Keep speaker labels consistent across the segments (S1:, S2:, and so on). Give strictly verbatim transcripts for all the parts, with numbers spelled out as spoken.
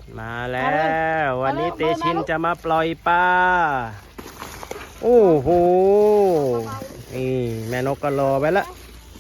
S1: มาแล้ววันนี้เตชินจะมาปล่อยปลาโอ้โหนี่แม่นกก็รอไว้ละ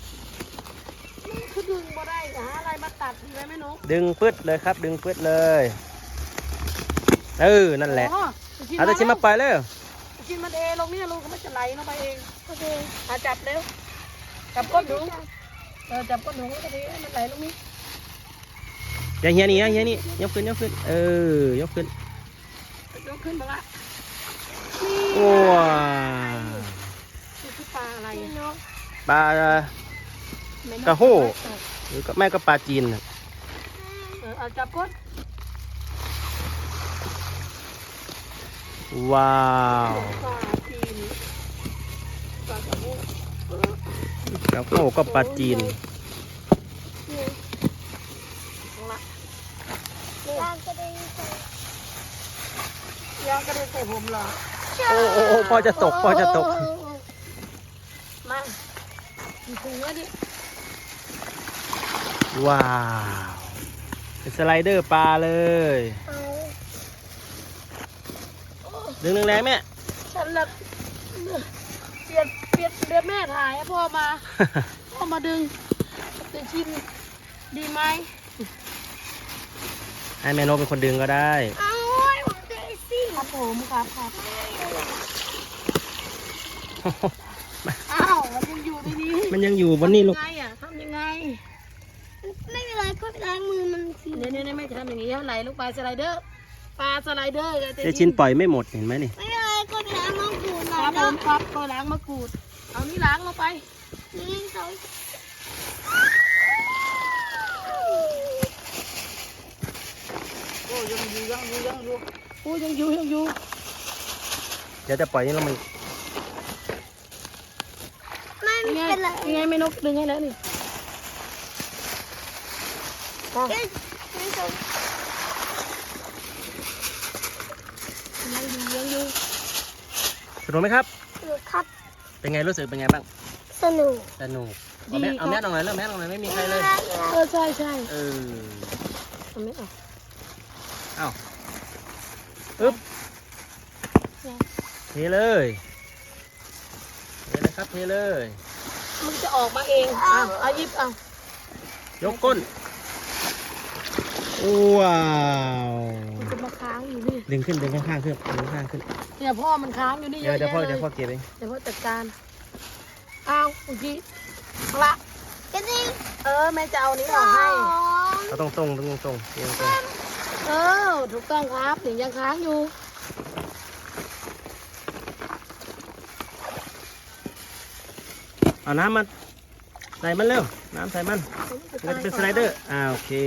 S2: คือดึงมาได้หาอะไรมาตัดดีไหมแม่นก
S1: ดึงปึ๊ดเลยครับดึงปึ๊ดเลยเออนั่นแหละเอาเตชินมาปล่อยเลย
S2: กินมันเองลงนี่ลุงก็ไม่จะไหลลงไปเองโอเคอาจับเร็วจับก้นหนูเออจับก้นหนูก็ดีมันไหลลงนี่
S1: อย่างเงี้ยนี่อย่างเงี้ยนี่ยกขึ้นยกขึ้นเออยกขึ้น
S2: ยกขึ้นมาละ
S1: ว้า
S2: นี่คือปลาอะไร
S1: ปลากระโหหรือแม่ก็ปลาจีน
S2: เออเอาจับก้น
S1: ว้าว
S2: ปลาจีนปลากระโห
S1: กระโหก็ปลาจีน
S2: ยางกระดิ่งใส่ยางกระดิ่งใส่ผมเหรอ
S1: โอ้โอ้โอ้พ่อจะตกพ่อจะตก
S2: มาอีกถุงแล้วดิ
S1: ว้าวเป็นสไลเดอร์ปลาเลยดึงแรงๆแม่
S2: ฉันละเปลี่ยนเปลี่ยนเดือนแม่ถ่ายให้พ่อมาพ่อมาดึงจะชิมดีไหม
S1: ให้แม่นกเป็นคนดึงก็ได้
S2: เอาผมเดซี่ครับผมครับครับอ้าวมันยังอยู่ในนี้
S1: มันยังอยู่บนนี้ลูก
S2: ทำยังไงอ่ะทำยังไง
S3: ไม่เป็นไรก็ล้างมือมันสิ
S2: เนี่ยเนี่ยไม่ทำอย่างนี้ไหลลงไปสไลเดอร์ปลาสไลเดอร์
S1: เจชินปล่อยไม่หมดเห็นไหมนี่
S3: ไม่เป็นไรก็ล้างมะกรูดหน่
S2: อยครับผมครับก็ล้างมะกรูดเอานี่ล้างลงไป
S3: นี่เขา
S2: โอ้ยังอยู่ยังอยู่ยังอยู่โอ้ยังอยู่ยังอยู่
S1: เดี๋ยวจะปล่อยนี่แล้วมัน
S3: ไม่เป็นไร
S2: ยังไงไม่นกดึงให้แล้วนี่ยังอยู่ยังอยู่
S1: สนุกไหมครับ
S3: สนุกครับ
S1: เป็นไงรู้สึกเป็นไงบ้าง
S3: สนุก
S1: สนุกเอาแม่เอาแม่ตรงไหนเริ่มแม่ตรงไหนไม่มีใครเลย
S2: เออใช่ใช่
S1: เออ
S2: เอาแม่เอา
S1: เอ้าอึ๊บเทเลยเทเลยครับเทเลย
S2: มันจะออกมาเองอ่ะเอายิบเอา
S1: ยกก้นว้าว
S2: มันจะมาค้างอยู่นี่
S1: ดึงขึ้นดึงข้างๆขึ้นดึงข้างขึ้น
S2: เนี่ยพ่อมันค้างอยู่นี่เยอะ
S1: เดี๋ยวพ่อ
S2: เลย
S1: เดี๋ยวพ่อเก็บเอง
S2: เดี๋ยวพ่อจัดการเอาเมื่อกี้ละ
S3: กระดิ่ง
S2: เออแม่จะเอานี้ออกให้
S1: เอาตรงตรงตรงตรงตรงตรง
S2: เออถูกต้องครับถึงยังค้างอยู่
S1: เอาน้ำมันใส่มันเร็วน้ำใส่มันมันจะเป็นสไลเดอร์อ่าโอเค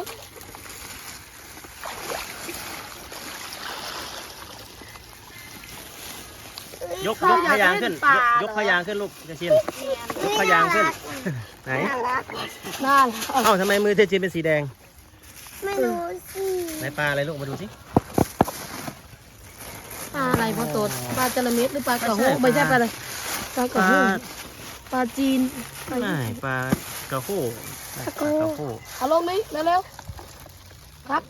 S1: ยกยกพยางขึ้นยกพยางขึ้นลูกเจชินยกพยางขึ้นไหน
S2: น่า
S1: เอ้าทำไมมือเจชินเป็นสีแดง
S3: ไม่รู้สิ
S1: ไหนปลาอะไรลูกมาดูสิ
S2: ปลาอะไรพ่อโตดปลาจระเม็ดหรือปลากระโหไม่ใช่ปลาอะไรปลากระโหปลาจีน
S1: ไม่ปลากระโหปลากระโห
S2: เอาลงนี้เร็วๆครับ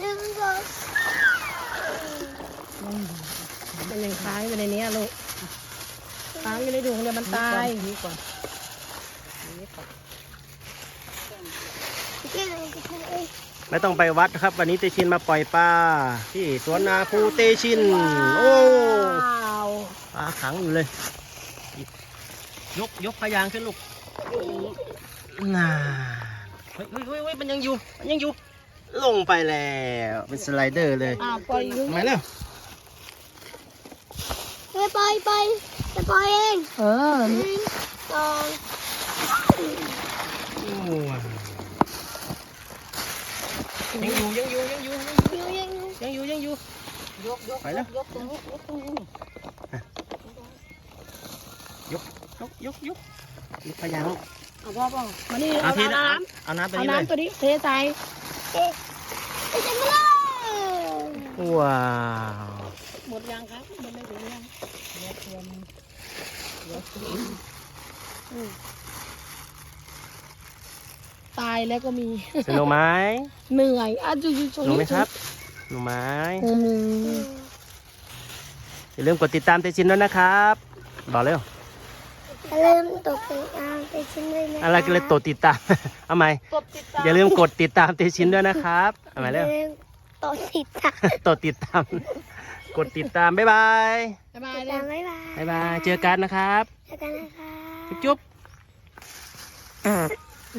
S2: มันยังค้างอยู่ในนี้ลูกค้างอยู่ในถุงเดี๋ยวมันตายนี่ก่อน
S1: ไม่ต้องไปวัดครับวันนี้เตชินมาปล่อยปลาที่สวนนาภูเตชินโอ้ปลาขังอยู่เลยยกยกพยางขึ้นลูกน่าเฮ้ยเฮ้ยเฮ้ยมันยังอยู่มันยังอยู่ลงไปแล้วเป็นสไลเดอร์เลย
S2: อ่าปล่อย
S1: ทำไมเนี่ย
S3: ไปไปไปจะปล่อยเอง
S2: เออ
S3: สอง
S1: ยังอยู่ยังอยู่ยังอยู่
S3: ยังอยู่
S1: ยังอยู่ยังอยู่
S2: ยกยก
S1: ไปแล้ว
S2: ยกตรงนี้ยกตรงนี้
S1: ยกยกยกยกยกพยางลูก
S2: เอาพ่อพ่อมานี่เอาน้ำ
S1: เอาน้ำตัว
S2: นี้เลยเอาน้ำตัวนี้เทใส่
S3: เอ๊ะไปจังเลย
S1: ว้าว
S2: หมดยังครับมันไม่ถึงยังเดี๋ยวเตรียมเดี๋ยวเตรียมตายแล้วก็มี
S1: สนุกไหม
S2: เหนื่อยอ่ะจุ๊จุ๊
S1: สนุกไหมครับหน่อไม้
S2: อืม
S1: อย่าลืมกดติดตามเตชินด้วยนะครับบอกเร็ว
S3: อย่าลืมตกติดตามเตชินด้วยนะ
S1: อะไรกันเลยกดติดตาม เอาใหม่
S2: กดติดตาม
S1: อย่าลืมกดติดตามเตชินด้วยนะครับเอาใหม่
S3: อ
S1: เร็ว
S3: ย่าลืมตกติดตาม
S1: กดติดตาม กดติดตาม บ๊ายบาย
S2: บ๊ายบาย
S3: ติด
S2: เล
S3: ตาย มบ๊ายบาย
S1: บ๊ายบาย เจอกันนะครับ
S3: เจอกันนะคะ
S1: จุ๊บจุ๊บ